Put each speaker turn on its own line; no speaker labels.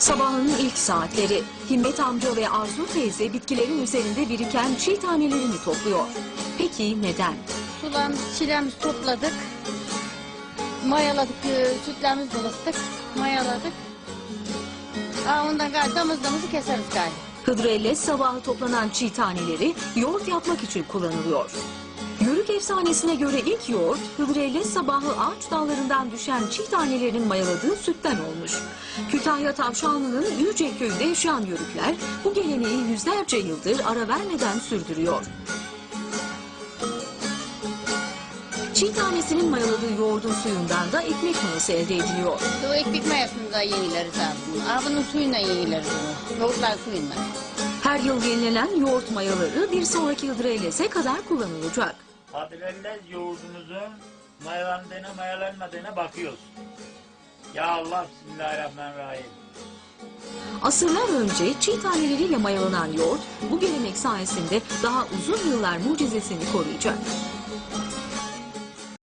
Sabahın ilk saatleri Himmet amca ve Arzu teyze bitkilerin üzerinde biriken çiğ tanelerini topluyor. Peki neden?
Çiğlerimizi topladık, mayaladık, sütlerimizi ılıttık, mayaladık. Ondan gayrı damızlığımızı keseriz gayrı.
Hıdrellez sabahı toplanan çiğ taneleri yoğurt yapmak için kullanılıyor. Yörük efsanesine göre ilk yoğurt, Hıdrellez sabahı ağaç dallarından düşen çiğ tanelerin mayaladığı sütten olmuş. Kütahya Tavşanlı'nın Yüce köyünde yaşayan yörükler bu geleneği yüzlerce yıldır ara vermeden sürdürüyor. Çiğ tanesinin mayaladığı yoğurdun suyundan da ekmek mayası elde ediliyor.
O ekmek mayasını da yenileriz aslında. Bunun suyuyla yenileriz onu. Yoğurtlar suyuyla.
Her yıl yenilenen yoğurt mayaları bir sonraki Hıdrellez'e kadar kullanılacak.
Hıdrellez yoğurdumuzun mayalandığına mayalanmadığına bakıyoruz. Ya Allah, Bismillahirrahmanirrahim.
Asırlar önce çiğ taneleriyle mayalanan yoğurt bu gelenek sayesinde daha uzun yıllar mucizesini koruyacak.